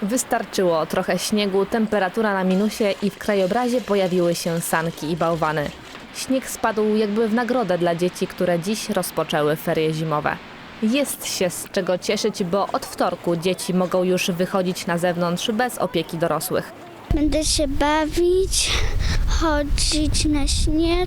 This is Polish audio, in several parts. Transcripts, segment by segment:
Wystarczyło trochę śniegu, temperatura na minusie i w krajobrazie pojawiły się sanki i bałwany. Śnieg spadł jakby w nagrodę dla dzieci, które dziś rozpoczęły ferie zimowe. Jest się z czego cieszyć, bo od wtorku dzieci mogą już wychodzić na zewnątrz bez opieki dorosłych. Będę się bawić, chodzić na śnieg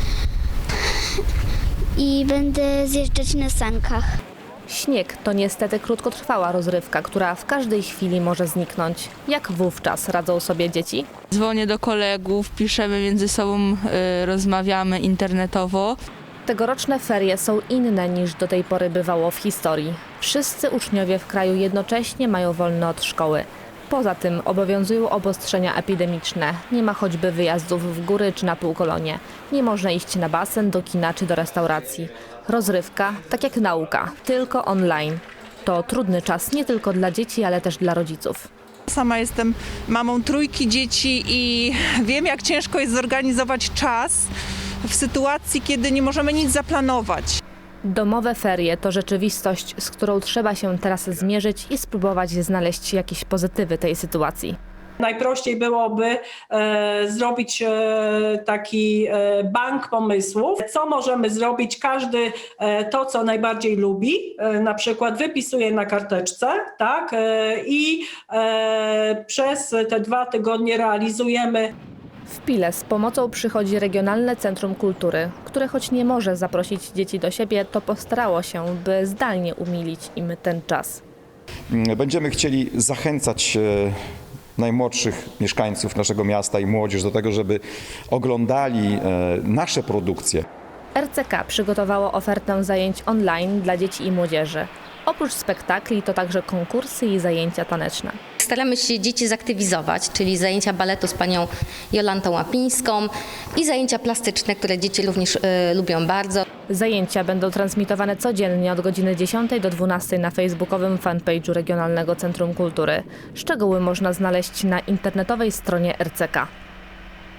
i będę zjeżdżać na sankach. Śnieg to niestety krótkotrwała rozrywka, która w każdej chwili może zniknąć. Jak wówczas radzą sobie dzieci? Dzwonię do kolegów, piszemy między sobą, rozmawiamy internetowo. Tegoroczne ferie są inne niż do tej pory bywało w historii. Wszyscy uczniowie w kraju jednocześnie mają wolne od szkoły. Poza tym obowiązują obostrzenia epidemiczne. Nie ma choćby wyjazdów w góry czy na półkolonie. Nie można iść na basen, do kina czy do restauracji. Rozrywka, tak jak nauka, tylko online. To trudny czas nie tylko dla dzieci, ale też dla rodziców. Sama jestem mamą trójki dzieci i wiem, jak ciężko jest zorganizować czas w sytuacji, kiedy nie możemy nic zaplanować. Domowe ferie to rzeczywistość, z którą trzeba się teraz zmierzyć i spróbować znaleźć jakieś pozytywy tej sytuacji. Najprościej byłoby zrobić taki bank pomysłów, co możemy zrobić, każdy to, co najbardziej lubi, na przykład wypisuje na karteczce, tak, i przez te 2 tygodnie realizujemy. W Pile z pomocą przychodzi Regionalne Centrum Kultury, które choć nie może zaprosić dzieci do siebie, to postarało się, by zdalnie umilić im ten czas. Będziemy chcieli zachęcać najmłodszych mieszkańców naszego miasta i młodzież do tego, żeby oglądali nasze produkcje. RCK przygotowało ofertę zajęć online dla dzieci i młodzieży. Oprócz spektakli to także konkursy i zajęcia taneczne. Staramy się dzieci zaktywizować, czyli zajęcia baletu z panią Jolantą Łapińską i zajęcia plastyczne, które dzieci również lubią bardzo. Zajęcia będą transmitowane codziennie od godziny 10 do 12 na facebookowym fanpage'u Regionalnego Centrum Kultury. Szczegóły można znaleźć na internetowej stronie RCK.